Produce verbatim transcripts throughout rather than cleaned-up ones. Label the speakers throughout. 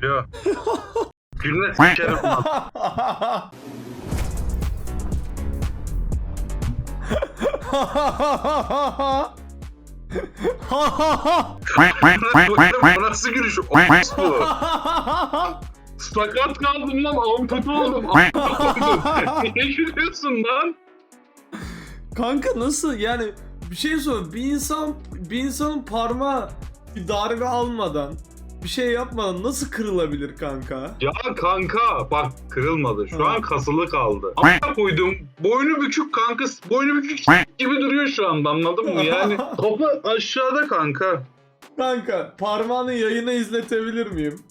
Speaker 1: Ya. Gülme s**erim lan. Bu nasıl gülüş? O bu. Sakat kaldım lan. Ampute oldum. Niye gülüyorsun lan?
Speaker 2: Kanka nasıl yani bir şey sor, bir insan bir insanın parmağı bir darbe almadan bir şey yapmadan nasıl kırılabilir kanka?
Speaker 1: Ya kanka bak kırılmadı. Şu an kasılı kaldı. Ama koydum. Boynu bükük kanka. Boynu bükük gibi duruyor şu anda, anladın mı? Yani topu aşağıda kanka.
Speaker 2: Kanka parmağını yayına izletebilir miyim?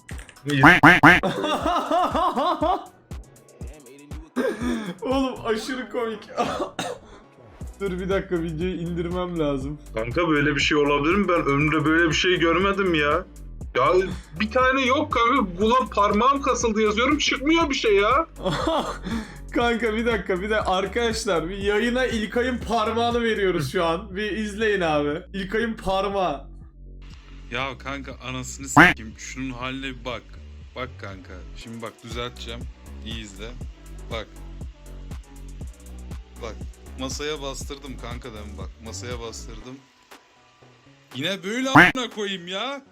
Speaker 2: Oğlum aşırı komik. Dur bir dakika, videoyu indirmem lazım.
Speaker 1: Kanka böyle bir şey olabilir mi? Ben ömrümde böyle bir şey görmedim ya. Ya bir tane yok kanka. Ulan parmağım kasıldı yazıyorum, çıkmıyor bir şey ya.
Speaker 2: Kanka bir dakika bir de arkadaşlar bir yayına İlkay'ın parmağını veriyoruz şu an. Bir izleyin abi. İlkay'ın parmağı.
Speaker 3: Ya kanka anasını s**eyim. Şunun haline bir bak. Bak kanka. Şimdi bak düzelteceğim. İyi izle. Bak. Bak. Masaya bastırdım kanka demin bak. Masaya bastırdım. Yine böyle a**ına koyayım ya.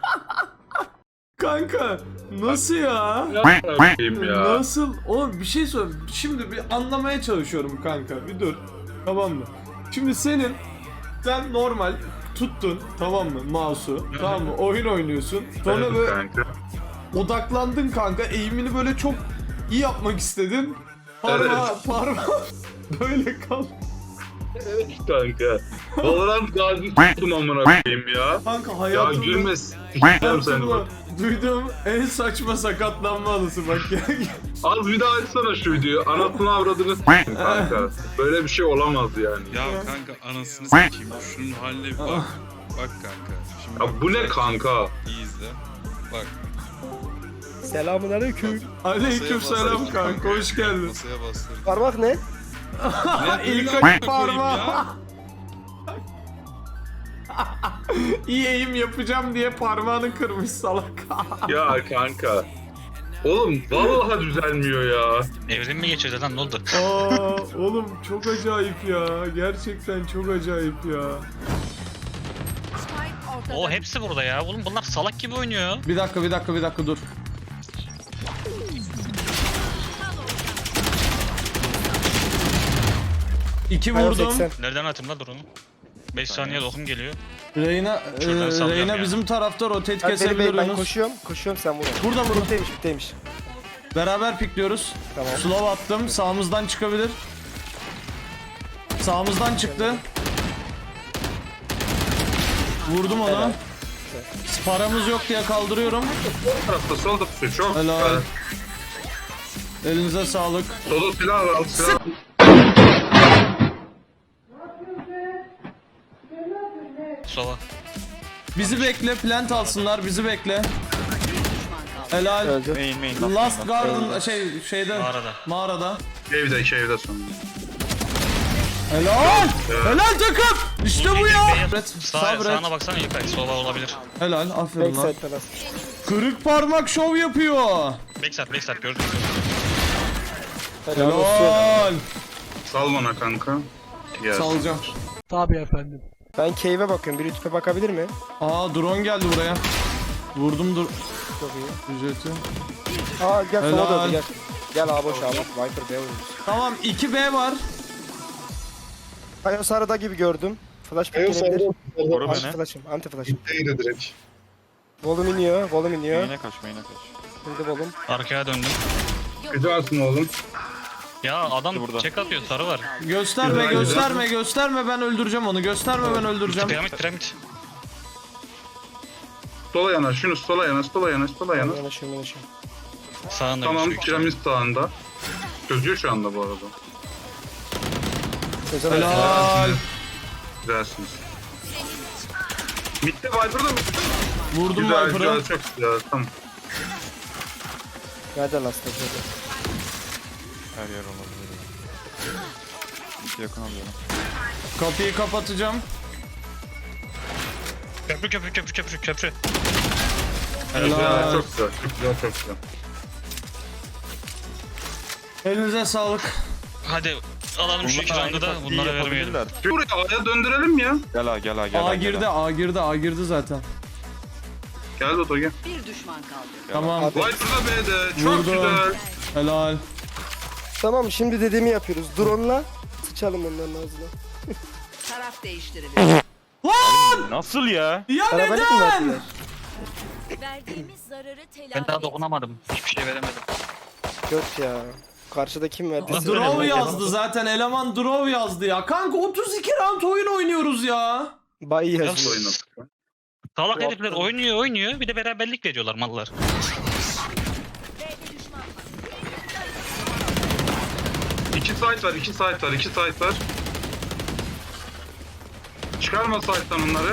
Speaker 2: Kanka nasıl ya?
Speaker 1: Yapayım ya.
Speaker 2: Nasıl? Oğlum bir şey sor. Şimdi bir anlamaya çalışıyorum kanka. Bir dur. Tamam mı? Şimdi senin sen normal tuttun, tamam mı, mouse'u, tamam mı, oyun oynuyorsun. Sonra
Speaker 1: Evet
Speaker 2: böyle
Speaker 1: kanka.
Speaker 2: odaklandın kanka, eğimini böyle çok iyi yapmak istedin. Parmağı,
Speaker 1: Evet.
Speaker 2: parmağı böyle kal.
Speaker 1: Evet kanka. Valorant gazi s**tum amına koyayım ya.
Speaker 2: Kanka
Speaker 1: Ya
Speaker 2: hayatımda,
Speaker 1: gülme s**eceğim seni
Speaker 2: hayatımda
Speaker 1: bak.
Speaker 2: duyduğum en saçma sakatlanma anısı bak ya.
Speaker 1: Az bir daha açsana şu videoyu. Anasını avradını s**tim kanka. Böyle bir şey olamaz yani.
Speaker 3: Ya kanka anasını s**eyim. Şunun haline bir bak. Bak kanka. Şimdi
Speaker 1: Ya
Speaker 3: bak,
Speaker 1: bu ne
Speaker 3: düzelteceğim.
Speaker 1: kanka?
Speaker 3: İyi izle. Bak.
Speaker 4: Selamünaleyküm.
Speaker 2: Aleyküm selam
Speaker 3: bastırdım
Speaker 2: kanka, hoş geldin.
Speaker 3: Masaya bastırdım.
Speaker 4: Parmak ne?
Speaker 3: Yine böyle
Speaker 2: İlk
Speaker 3: a**ına koyayım
Speaker 2: parmağı.
Speaker 3: ya.
Speaker 2: İyi eğim yapacağım diye parmağını kırmış salak.
Speaker 1: Ya kanka. Oğlum vallahi düzelmiyor ya.
Speaker 5: Evrim mi geçirdi lan, ne oldu?
Speaker 2: Aa, oğlum çok acayip ya. Gerçekten çok acayip ya.
Speaker 5: O hepsi burada ya. Oğlum bunlar salak gibi oynuyor.
Speaker 2: Bir dakika bir dakika bir dakika dur. İki
Speaker 4: Hayır,
Speaker 2: vurdum.
Speaker 4: seksen.
Speaker 5: Nereden atayım lan drone'u? beş saniye dokum geliyor.
Speaker 2: Reyna, e,
Speaker 5: Şuradan sallıyorum
Speaker 2: Reyna
Speaker 5: ya.
Speaker 2: bizim tarafta rotate
Speaker 4: Ben, beni,
Speaker 2: kesebilir
Speaker 4: beni, ben
Speaker 2: Yunus.
Speaker 4: koşuyorum. Koşuyorum sen vur.
Speaker 2: Burada burada.
Speaker 4: Bitteymiş bitteymiş.
Speaker 2: Beraber pikliyoruz.
Speaker 4: Tamam.
Speaker 2: Slow attım. Sağımızdan çıkabilir. Sağımızdan çıktı. Vurdum onu.
Speaker 4: Helal.
Speaker 2: Paramız yok diye kaldırıyorum.
Speaker 1: Sol tarafta solda tutuyor çok.
Speaker 2: Helal.
Speaker 1: Evet.
Speaker 2: Elinize sağlık.
Speaker 1: Solda silah var. Silah.
Speaker 5: Sova.
Speaker 2: Bizi bekle, plant alsınlar, bizi bekle. Helal.
Speaker 4: Öldü.
Speaker 2: Last Garden şey şeyde
Speaker 5: Mağarada.
Speaker 2: mağarada.
Speaker 1: Evde evde sonunda.
Speaker 2: Helal. Helal takım. İşte bu ya.
Speaker 5: Sağ,
Speaker 2: Sabret.
Speaker 5: sağına baksana İlkay. Sova olabilir.
Speaker 2: Helal. Aferin lan.
Speaker 4: Backside biraz.
Speaker 2: Kırık parmak şov yapıyor.
Speaker 5: Backside backside gördün mü?
Speaker 4: Helal olsun.
Speaker 2: Helal.
Speaker 1: Sal bana kanka. Gel.
Speaker 2: Salacağım.
Speaker 4: Ben cave'e bakıyorum. Biri tüpe bakabilir mi?
Speaker 2: Aa drone geldi buraya. Vurdum dur.
Speaker 4: Çok iyi.
Speaker 2: Ücreti.
Speaker 4: Aa gel sola
Speaker 2: Helal.
Speaker 4: döndü gel. Gel abi boş abi. Viper B oynuyoruz.
Speaker 2: Tamam iki B var.
Speaker 4: Kayo sarıda gibi gördüm. Flash pick gelebilir. Anti flash'ım. Anti flash'ım.
Speaker 1: Değdi direkt.
Speaker 4: Volum iniyor. Volum iniyor.
Speaker 6: Main'e kaç, main'e kaç.
Speaker 4: Şimdi volum.
Speaker 5: Arkaya döndüm.
Speaker 1: Güzelsin oğlum.
Speaker 5: Ya adam
Speaker 6: Burada.
Speaker 5: check atıyor, sarı var.
Speaker 2: Gösterme
Speaker 1: Güzel,
Speaker 2: gösterme gösterme ben öldüreceğim onu. Gösterme ben öldüreceğim.
Speaker 5: Piramit piramit.
Speaker 1: Sola yanaş, şunu sola yanaş, sola yanaş, sola yanaş.
Speaker 4: Yanaşıyorum yanaşıyorum.
Speaker 5: Sağında
Speaker 1: Tamam,
Speaker 5: gözüküyor.
Speaker 1: piramit sağında. Çözüyor şu anda bu arada.
Speaker 4: Özel
Speaker 2: Helal.
Speaker 1: Güzelsiniz. Mid'de Viper'da mı?
Speaker 2: Vurdum
Speaker 1: Güzel,
Speaker 2: Viper'ı.
Speaker 1: güzel, çok güzel, tamam.
Speaker 4: Nerede lastik?
Speaker 6: Her yer olabilir. İki yakın alıyorum.
Speaker 2: Kapıyı kapatacağım.
Speaker 5: Köprü köprü köprü köprü köprü.
Speaker 1: Güzel, çok güzel. Çok güzel, çok güzel.
Speaker 2: Elinize sağlık.
Speaker 5: Hadi alalım şu iki roundu da bunlara vermeyelim.
Speaker 1: Buraya A'ya döndürelim ya.
Speaker 6: Gel ha gel ha gel
Speaker 2: A
Speaker 6: ha.
Speaker 2: girdi, A girdi, A girdi zaten.
Speaker 1: Gel Dodo gel.
Speaker 7: Bir düşman kaldı.
Speaker 2: Tamam.
Speaker 1: White burada B'de. Çok
Speaker 2: Vurdum.
Speaker 1: güzel.
Speaker 2: Helal.
Speaker 4: Tamam şimdi dediğimi yapıyoruz. Drone'la sıçalım onların ağzına.
Speaker 7: Taraf değiştirilir.
Speaker 6: Nasıl ya?
Speaker 2: Ya
Speaker 4: Arabayla mı
Speaker 2: neden?
Speaker 4: verdiler?
Speaker 8: Verdiğimiz zararı telafi
Speaker 5: Ben daha
Speaker 8: et.
Speaker 5: dokunamadım. Hiçbir şey veremedim.
Speaker 4: Yok ya. Karşıda kim verdi?
Speaker 5: Nasıl
Speaker 2: Draw
Speaker 5: öyle
Speaker 2: yazdı zaten. Eleman draw yazdı ya. Kanka otuz iki round oyun oynuyoruz ya.
Speaker 4: Bay yazıyor.
Speaker 1: Oynadık.
Speaker 5: Salak herifler oynuyor oynuyor bir de beraberlik veriyorlar mallar.
Speaker 8: B'de düşman var.
Speaker 1: İki site var, iki site var, iki site var. Çıkarma site'tan onları.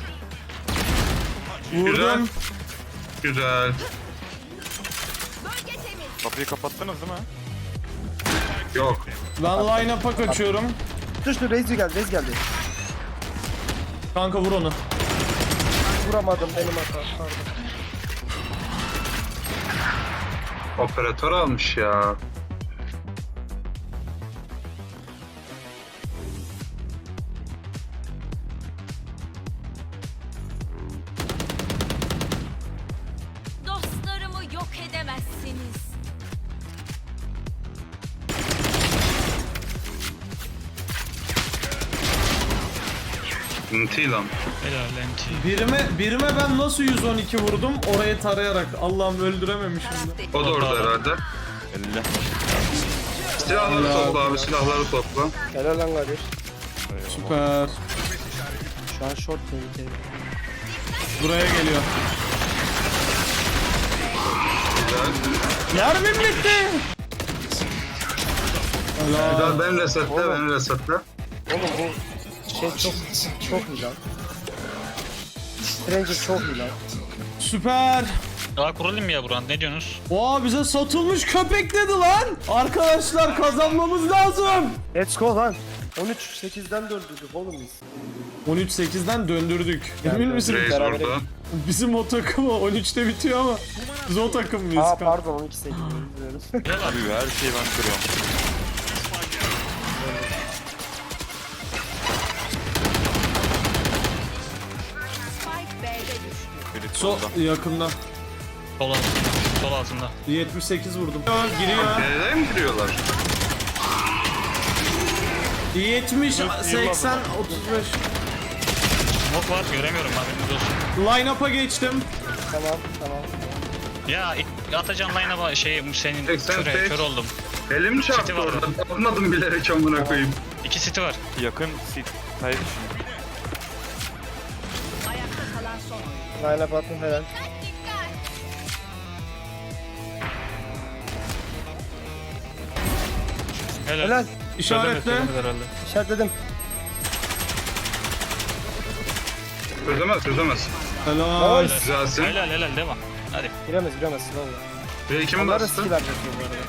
Speaker 1: Güzel.
Speaker 2: Vurdum.
Speaker 1: Güzel.
Speaker 8: Bölge temiz.
Speaker 6: Kapıyı kapattınız değil mi?
Speaker 1: Yok.
Speaker 2: Ben line-up'a kaçıyorum.
Speaker 4: Dur dur Reis geldi. Reis geldi.
Speaker 2: Kanka vur onu.
Speaker 4: Vuramadım benim hata. Pardon.
Speaker 1: Operatör almış ya.
Speaker 8: Dostlarımı yok edemezsiniz.
Speaker 1: Inti lan.
Speaker 5: Helal N T.
Speaker 2: Birime, birime ben nasıl yüz on iki vurdum? Orayı tarayarak. Allah'ım öldürememişim
Speaker 7: Taraf
Speaker 2: de.
Speaker 7: değiştirilir.
Speaker 1: O da orada herhalde.
Speaker 6: elli.
Speaker 1: Silahları topla abi, silahları topla.
Speaker 4: Helal lan kardeş.
Speaker 2: Süper.
Speaker 4: Şu an short tehlikeli.
Speaker 2: Buraya geliyor.
Speaker 1: Güzel.
Speaker 2: Mermim bitti. Helal.
Speaker 1: Güzel, ben resetle, ben resetle.
Speaker 4: Oğlum bu şey çok çok iyi lan. Stranger çok iyi lan.
Speaker 2: Süper.
Speaker 5: Daha kurulum mu ya Buran ne diyorsunuz?
Speaker 2: Oha bize satılmış köpek dedi lan. Arkadaşlar kazanmamız lazım.
Speaker 4: Let's go lan. on üç sekizden döndürdük oğlum biz.
Speaker 2: on üç sekizden döndürdük. Emin misin?
Speaker 1: Reis
Speaker 4: Beraber-
Speaker 1: burada.
Speaker 2: Bizim o takım on üçte bitiyor ama biz o takım mıyız?
Speaker 4: Aa
Speaker 2: kanka?
Speaker 4: pardon on iki sekiz. Özür dilerim.
Speaker 6: Abi her şeyi ben kırıyorum.
Speaker 7: Spike B'de düştü.
Speaker 6: Biri
Speaker 2: So
Speaker 6: solda.
Speaker 2: yakında.
Speaker 5: Sol altında. Sol altında.
Speaker 2: yetmiş sekiz vurdum. Giriyor.
Speaker 1: Nereye mi giriyorlar?
Speaker 2: yetmiş, seksen, otuz beş.
Speaker 5: Smoke var göremiyorum haberiniz olsun.
Speaker 2: Line-up'a geçtim.
Speaker 4: Tamam tamam.
Speaker 5: Ya atacağım line'a şey senin
Speaker 1: seksen
Speaker 5: köre,
Speaker 1: sekiz.
Speaker 5: kör oldum.
Speaker 1: Elim çarptı
Speaker 5: City var
Speaker 1: orada. Atmadım bilerek amına koyayım.
Speaker 5: İki city var.
Speaker 6: Yakın sit. Hayır şimdi.
Speaker 7: Ayakta kalan son oyun.
Speaker 4: Line up attım helal.
Speaker 5: Helal.
Speaker 4: Helal.
Speaker 2: İşaretle.
Speaker 5: Söylemedi herhalde.
Speaker 4: İşaretledim.
Speaker 1: Çözemez, çözemez.
Speaker 2: Helal.
Speaker 4: Nice.
Speaker 1: Güzelsin.
Speaker 5: Helal helal devam. Hadi.
Speaker 4: Giremez giremez slow.
Speaker 1: Ve kimi
Speaker 4: Onlar da
Speaker 1: bastı?
Speaker 4: skill atacak bu arada.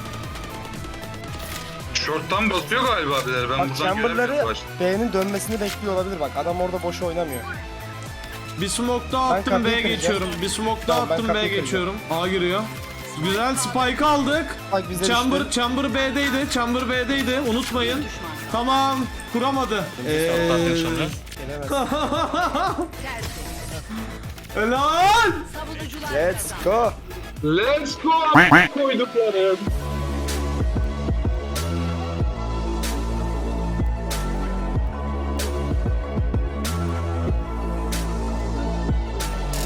Speaker 1: Short'tan basıyor galiba birileri. Ben
Speaker 4: Bak
Speaker 1: buradan göremiyorum
Speaker 4: chamber'ları
Speaker 1: başta.
Speaker 4: B'nin dönmesini bekliyor olabilir bak. Adam orada boşa oynamıyor.
Speaker 2: Bir smoke daha
Speaker 4: Ben
Speaker 2: attım
Speaker 4: kapıyı
Speaker 2: B'ye
Speaker 4: kıracağım.
Speaker 2: geçiyorum. Bir smoke daha
Speaker 4: Tamam, ben
Speaker 2: attım
Speaker 4: kapıyı
Speaker 2: B'ye
Speaker 4: kıracağım.
Speaker 2: geçiyorum. A giriyor. Güzel spike aldık.
Speaker 4: Bak bize
Speaker 2: Chamber,
Speaker 4: düştü.
Speaker 2: Chamber B'deydi. Chamber B'deydi. Unutmayın.
Speaker 7: Düşman.
Speaker 2: Tamam. Kuramadı.
Speaker 5: Sağ sonra.
Speaker 4: Gelemez.
Speaker 2: Helal.
Speaker 7: Savunucular
Speaker 4: Let's go.
Speaker 1: Let's go! Koyduklarım.